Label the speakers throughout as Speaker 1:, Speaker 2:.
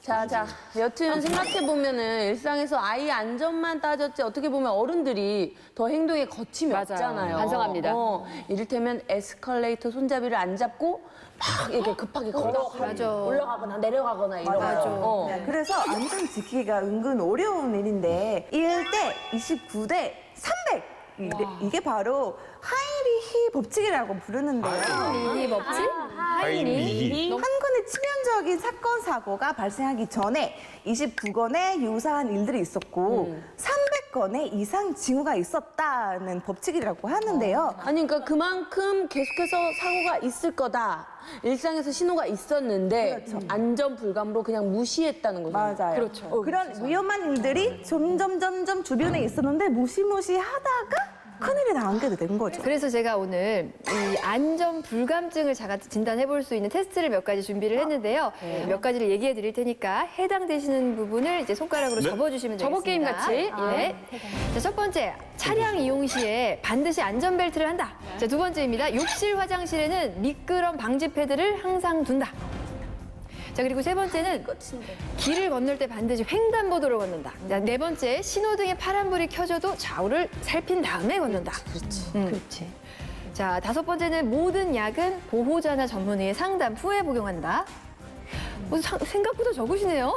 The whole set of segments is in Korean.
Speaker 1: 자, 여튼 생각해보면은 일상에서 아이 안전만 따졌지 어떻게 보면 어른들이 더 행동에 거침이
Speaker 2: 맞아요.
Speaker 1: 없잖아요.
Speaker 2: 반성합니다.
Speaker 1: 이를테면 에스컬레이터 손잡이를 안 잡고 막 이렇게 급하게 올라가거나 내려가거나 이러고.
Speaker 3: 네, 그래서 안전 지키기가 은근 어려운 일인데 1대 29대 300 이게 바로 하이리히 법칙이라고 부르는데요.
Speaker 2: 이 법칙?
Speaker 4: 하이리히.
Speaker 3: 한 건의 치명적인 사건 사고가 발생하기 전에 29건의 유사한 일들이 있었고 300건의 이상 징후가 있었다는 법칙이라고 하는데요.
Speaker 1: 아니 그러니까 그만큼 계속해서 사고가 있을 거다. 일상에서 신호가 있었는데 안전 불감으로 그냥 무시했다는 거죠.
Speaker 3: 맞아요.
Speaker 2: 그렇죠.
Speaker 3: 그런 위험한 일들이 점점 주변에 있었는데 무시무시하다가 큰일이 나게 된 거죠.
Speaker 2: 그래서 제가 오늘 이 안전 불감증을 제가 진단해 볼 수 있는 테스트를 몇 가지 준비를 했는데요. 몇 가지를 얘기해 드릴 테니까 해당되시는 부분을 이제 손가락으로 접어주시면 되겠습니다.
Speaker 5: 접어 게임 같이?
Speaker 2: 예. 자, 첫 번째, 차량 이용 시에 반드시 안전벨트를 한다. 자, 두 번째입니다. 욕실, 화장실에는 미끄럼 방지 패드를 항상 둔다. 자, 그리고 세 번째는 길을 건널 때 반드시 횡단보도를 건넌다. 자, 네 번째, 신호등에 파란불이 켜져도 좌우를 살핀 다음에 건넌다.
Speaker 1: 그렇지.
Speaker 2: 자, 다섯 번째는 모든 약은 보호자나 전문의의 상담 후에 복용한다. 생각보다 적으시네요.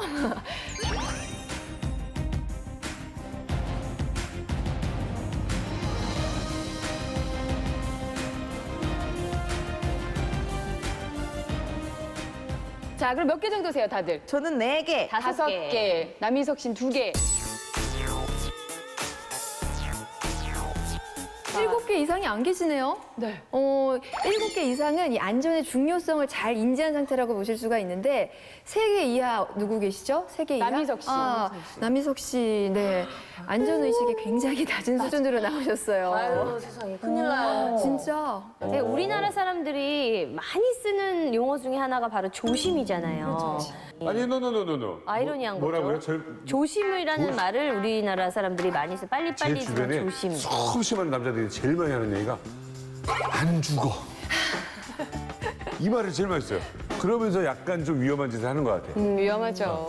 Speaker 5: 자, 그럼 몇 개 정도 세요, 다들?
Speaker 3: 저는 4개.
Speaker 5: 5개. 남희석 씨는 2개.
Speaker 2: 7개 이상이 안 계시네요.
Speaker 5: 네.
Speaker 2: 7개 이상은 이 안전의 중요성을 잘 인지한 상태라고 보실 수가 있는데 3개 이하 누구 계시죠? 3개 이하?
Speaker 5: 남희석 씨.
Speaker 2: 남희석 씨, 네. 안전의식이 굉장히 낮은 수준으로 나오셨어요.
Speaker 1: 아유 세상에 큰일 나요.
Speaker 2: 진짜.
Speaker 6: 우리나라 사람들이 많이 쓰는 용어 중에 하나가 바로 조심이잖아요.
Speaker 4: 아니, 노.
Speaker 6: 아이러니한
Speaker 4: 뭐라고요?
Speaker 6: 거죠. 조심이라는 말을 우리나라 사람들이 많이 써.
Speaker 4: 제
Speaker 6: 빨리빨리
Speaker 4: 주변에
Speaker 6: 조심.
Speaker 4: 수심한 남자들이 제일 많이 하는 얘기가 안 죽어. 이 말을 제일 많이 써요. 그러면서 약간 좀 위험한 짓을 하는 것 같아요.
Speaker 5: 위험하죠.